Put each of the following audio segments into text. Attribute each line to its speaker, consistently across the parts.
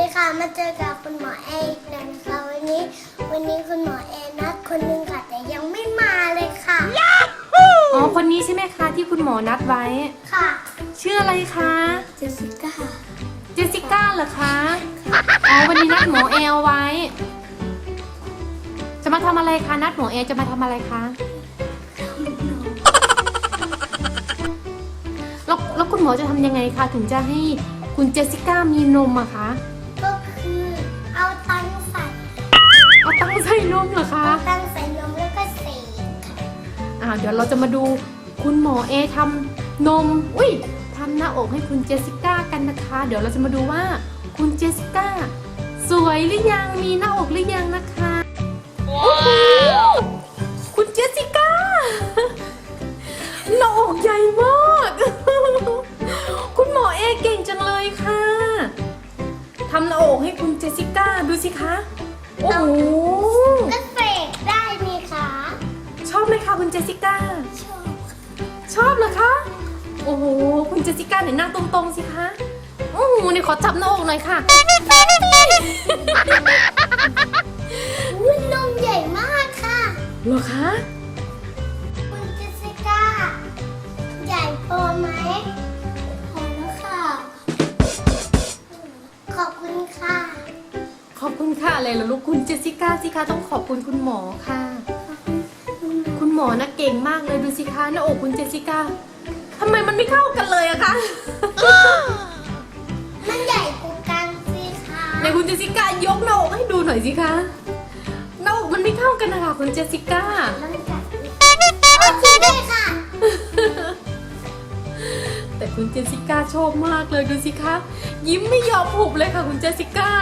Speaker 1: ดีค่ะมาเจอกับคุณหมอแออีกแล้วนะคะวันนี้คุณหมอแอนัดคนนึงค่ะแต่ยังไม่มาเลยค่ะ
Speaker 2: อ๋อคนนี้ใช่ไหมคะที่คุณหมอนัดไว้
Speaker 1: ค่ะ
Speaker 2: ชื่ออะไรคะ
Speaker 1: เจสสิก้า
Speaker 2: เจสสิก้าเหรอคะอ๋อวันนี้นัดหมอแอลไว้ จะมาทำอะไรคะนัดหมอแอลจะมาทำอะไรคะแล้วคุณหมอจะทำยังไงคะถึงจะให้คุณเจสสิก้ามีนมอะคะ
Speaker 1: ก็คือเอาตังใส่
Speaker 2: เอาตั้งใส่นมเหรอคะ
Speaker 1: ตังใส่นมแล้วก็เสกค่ะ
Speaker 2: เดี๋ยวเราจะมาดูคุณหมอเอทำนมทำหน้าอกให้คุณเจสสิก้ากันนะคะ เดี๋ยวเราจะมาดูว่าคุณเจสสิก้าสวยหรือยังมีหน้าอกหรือยังนะคะโอ้โหคุณเจสสิก้าหน้าอกใหญ่มากคุณหมอเอเก่งจังเลยค่ะทำหน้าอกให้คุณเจสสิก้าดูสิคะโอ้โห
Speaker 1: ก็เสกได้นี่ค่ะ
Speaker 2: ชอบไหมคะคุณเจสสิก้า
Speaker 1: ชอบ
Speaker 2: ชอบเหรอคะ โอ้โห คุณเจสสิก้าเนี่ยนั่งตรงๆสิคะ โอ้โหนี่ขอจับหน้าอกหน่อยค่ะ
Speaker 1: อุ้ยนมใหญ่มากค่ะ
Speaker 2: เหรอคะ
Speaker 1: คุณเจสสิก้าใหญ่พอไหมพอแล้วค่ะ ขอบคุณค่ะ
Speaker 2: ขอบคุณค่ะอะไรเหรอลูกคุณเจสสิก้าสิคะต้องขอบคุณคุณหมอค่ะ คุณหมอนะเก่งมากเลยดูสิคะหน้าอกคุณเจสสิก้าทำไมมันไม่เข้ากันเลยอะคะ
Speaker 1: มันใหญ่กว่ากันสิคะ
Speaker 2: ในคุณเจสสิก้ายกหน้าอกให้ดูหน่อยสิคะหน้าอกมันไม่เข้ากันนะคะคุณเจสสิก้า
Speaker 1: มันใหญ่โอเคได้ค่ะ
Speaker 2: แต่คุณเจสสิก้าชอบมากเลยดูสิคะยิ้มไม่ยอมหุบเลยค่ะคุณเจสสิก้า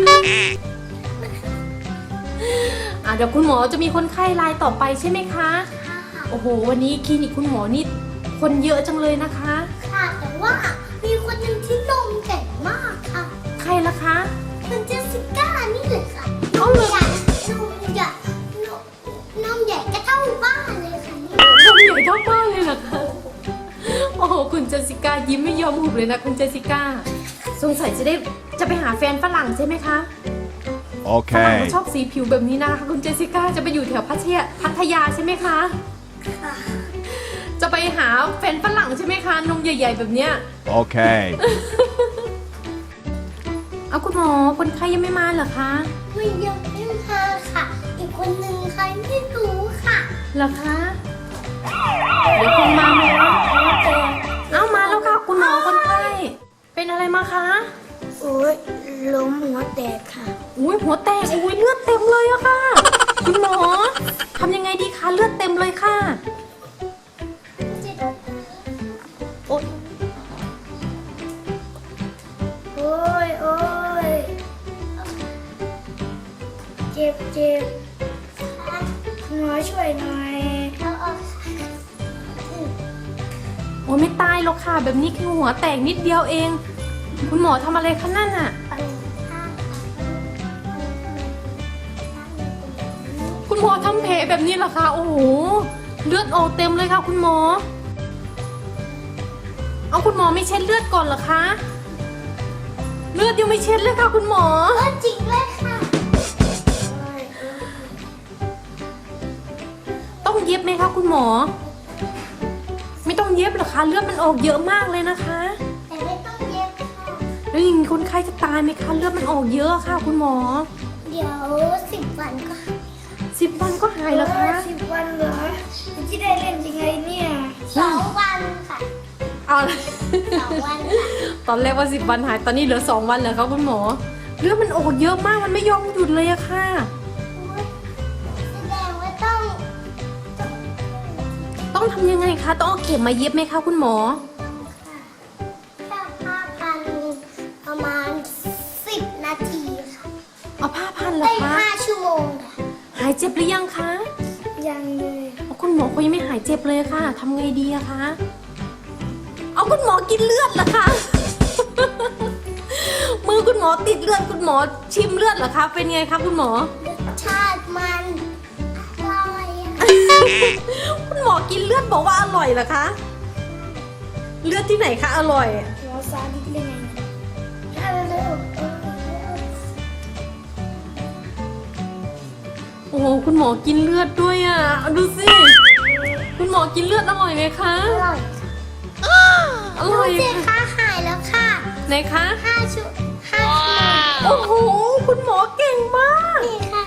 Speaker 2: เดี๋ยวคุณหมอจะมีคนไข้รายต่อไปใช่ไหมคะโอ้โหวันนี้คลินิกคุณหมอนี่คนเยอะจังเลยนะคะ
Speaker 1: ค่ะแต่ว่ามีคนหนึ่งที่นมใหญ่มากค่ะ
Speaker 2: ใครล่ะคะ
Speaker 1: คุณเจสสิก้านี่เลยค่ะน
Speaker 2: เอา
Speaker 1: ม
Speaker 2: เลย
Speaker 1: ใหญ่นมใหญ่ก็เท่าบ้านเลยค่ะนี่
Speaker 2: ทำใหญ่เท่าบ้านเลยเหรอคะโอ้โหคุณเจสสิก้ายิ้มไม่ยอมหุบเลยนะคุณเจสสิก้าสงสัยจะไปหาแฟนฝรั่งใช่ไหมคะฝรั่ง
Speaker 3: Okay.
Speaker 2: เขาชอบสีผิวแบบนี้นะคะคุณเจสสิก้าจะไปอยู่แถวพัทยาใช่ไหมคะ
Speaker 1: ค่ะ
Speaker 2: จะไปหาแฟนฝรั่งใช่ไหมคะนมใหญ่ๆแบบเนี้ย
Speaker 3: Okay.
Speaker 2: เอาคุณหมอคนไข้ยังไม่มาเหรอคะ
Speaker 1: ไม่ยังไม่มาค่ะ อีกคนหนึ่งใครไม่รู้ค่ะ
Speaker 2: เหรอคะเดี๋ยวคงมาไหมคะเอามาแล้วค่ะคุณหมอคนไข้เป็นอะไรมาคะ
Speaker 1: โอ้ยล้มหัวแตกค่ะ
Speaker 2: อุ้ยหัวแตกอุ้ยเลือดเต็มเลยอะค่ะ คุณหมอทำยังไงดีคะเลือดเต็มเลยค่ะโอ๊ย
Speaker 1: โอ้ยโอ้ยเจ็บเจ็บหมอช่วยหน่อยเอาออก
Speaker 2: โอ้ยไม่ตายหรอกค่ะ แบบนี้แค่หัวแตกนิดเดียวเอง คุณหมอทำอะไรคะนั่นอะ คุณหมอทำแผลแบบนี้เหรอคะ โอ้โห เลือดออกเต็มเลยค่ะ คุณหมอ เอาคุณหมอไม่เช็ดเลือดก่อนเหรอคะ เลือดยังไม่เช็ดเลยค่ะ คุณหมอ
Speaker 1: จริงเลยค่ะ
Speaker 2: ต้องเย็บไหมคะคุณหมอ ไม่ต้องเย็บหรอคะ เลือดมันออกเยอะมากเลยนะคะ
Speaker 1: แต่ไม่ต้องเย็บค่ะ
Speaker 2: แล้วอย่างนี้คนไข้จะตายไหมคะ เลือดมันออกเยอะค่ะ คุณหมอ
Speaker 1: เดี๋ยว10 วันก็
Speaker 2: 10 วันก็หายแล้วคะ
Speaker 1: 10 วันเหรอที่ได้เล่นยังไงเนี่ย2 วันค่ะ
Speaker 2: เอา
Speaker 1: 2 วันค่ะ
Speaker 2: ตอนแรกว่า10 วันหาย ตอนนี้เหลือ2 วันแล้วครับคุณหมอ เลือดมันออกเยอะมาก มันไม่ยอมหยุดเลยอะค่ะ
Speaker 1: แสดงว่าต้อง
Speaker 2: ต้องทำยังไงคะ ต้องเอาเข็มมาเย็บไหมคะคุณหมอ
Speaker 1: แค่5,000ประมาณ10 นาทีค่ะ
Speaker 2: เอาผ้าพันเหรอ
Speaker 1: ได้
Speaker 2: คะ
Speaker 1: 5 ชั่วโมงค่ะ
Speaker 2: หายเจ็บหรือยังคะ
Speaker 1: ยังเลย
Speaker 2: เอาคุณหมอเขายังไม่หายเจ็บเลยค่ะทำไงดีอะคะ เอาคุณหมอกินเลือดเหรอคะ มือคุณหมอติดเลือดคุณหมอชิมเลือดเหรอคะ เป็นไงคะคุณหมอ
Speaker 1: รสชาติมันอร่อยอะ
Speaker 2: คุณหมอกินเลือดบอกว่าอร่อยเหรอคะ เลือดที่ไหนคะอร่อย
Speaker 1: หัวซาดิสเลยไงถ้าเร็ว
Speaker 2: โหคุณหมอกินเลือดด้วยอ่ะดูสิคุณหมอกินเลือดอร่อยไหมคะ
Speaker 1: อร่อย
Speaker 2: อร่อย
Speaker 1: ดูสิคะหายแล้วค่ะ
Speaker 2: ไหนคะ
Speaker 1: 5 ชั่วโมง
Speaker 2: โอ้โหคุณหมอเก่งมาก
Speaker 1: นี่ค่ะ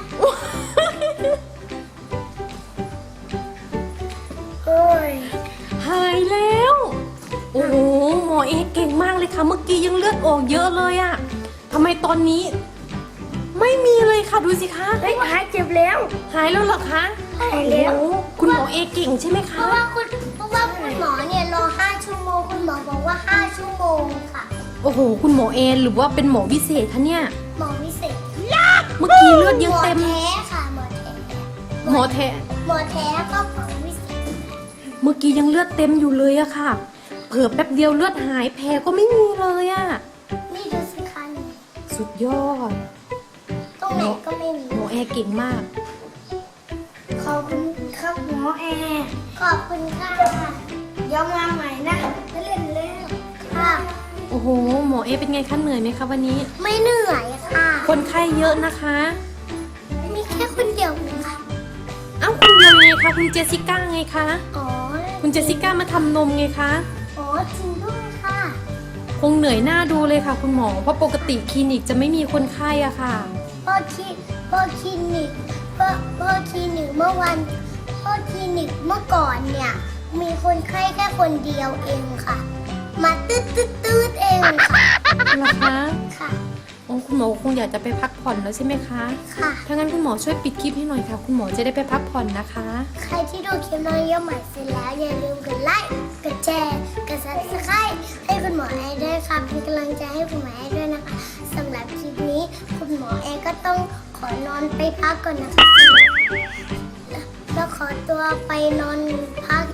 Speaker 1: โอ้ย
Speaker 2: หายแล้ว โอ้โหหมอเอเก่งมากเลยค่ะ เมื่อกี้ยังเลือดออกเยอะเลยอะทำไมตอนนี้ ไม่มีเลยค่ะดูสิคะ
Speaker 1: เฮ้ยหายเจ็บแล้ว
Speaker 2: หายแล้วเหรอคะ
Speaker 1: หายแล้ว
Speaker 2: โอ้โหคุณหมอเอเก่งใช่ไหม
Speaker 1: เพ
Speaker 2: คะ
Speaker 1: ราะว่าคุณหมอเนี่ยรอ5 ชั่วโมงคุณหมอบอกว่า5 ชั่วโมงค่ะ
Speaker 2: โอ้โหคุณหมอเอหรือว่าเป็นหมอพิเศษคะเนี่ย
Speaker 1: หมอวิเศษ
Speaker 2: เมื่อกี้เลือดยังเต็ม
Speaker 1: หมอแท้ค่ะหมอแท้
Speaker 2: หมอแท้
Speaker 1: หมอแท้ก็หมอวิเศษ
Speaker 2: เมื่อกี้ยังเลือดเต็มอยู่เลยอะค่ะ เผลอแป๊บเดียวเลือดหายแผลก็ไม่มีเลยอะ
Speaker 1: นี่ดูสิคะนี่
Speaker 2: สุดยอด
Speaker 1: ตรงไหนก็ไม่มี
Speaker 2: หมอเอเก่งมาก
Speaker 1: ขอบคุณครับหมอแอร์ขอบคุณค่ะเดี๋ยวมาใหม่นะไม่เล่นแล้วค่ะ
Speaker 2: โอ้โหหมอเอเป็นไงคะเหนื่อยไหมคะวันนี้
Speaker 1: ไม่เหนื่อยค่ะ
Speaker 2: คนไข้เยอะนะคะ
Speaker 1: มีแค่คนเดียวเองค่ะ
Speaker 2: เอ้าคุณเดียวไงคะคุณเจสสิก้าไงคะ
Speaker 1: อ๋อ
Speaker 2: คุณเจสสิก้ามาทำนมไงคะ
Speaker 1: อ๋อจริงด้วยค่ะ
Speaker 2: คงเหนื่อยหน้าดูเลยค่ะ คุณหมอ เพราะปกติคลินิกจะไม่มีคนไข้อะค่ะ
Speaker 1: พ่อคลินิกพ่อคลินิกเมื่อวันพ่อคลินิกเมื่อก่อนเนี่ย มีคนไข้แค่คนเดียวเองค่ะ มาตืดเองค่ะ
Speaker 2: เหรอคะ
Speaker 1: ค่ะ
Speaker 2: โอ้คุณหมอคงอยากจะไปพักผ่อนแล้วใช่ไหมคะ
Speaker 1: ค่ะ
Speaker 2: ถ้างั้นคุณหมอช่วยปิดคลิปให้หน่อยค่ะ คุณหมอจะได้ไปพักผ่อนนะคะ
Speaker 1: ใครที่ดูคลิปน้องเยี่ยมใหม่เสร็จแล้วอย่าลืมกดไลค์ กดแชร์ กด subscribe ให้คุณหมอแอร์ด้วยค่ะเป็นกำลังใจให้คุณหมอแอร์ด้วยนะคะสำหรับคลิปนี้คุณหมอแอร์ก็ต้องขอนอนไปพักก่อนนะคะแล้วขอตัวไปนอนพัก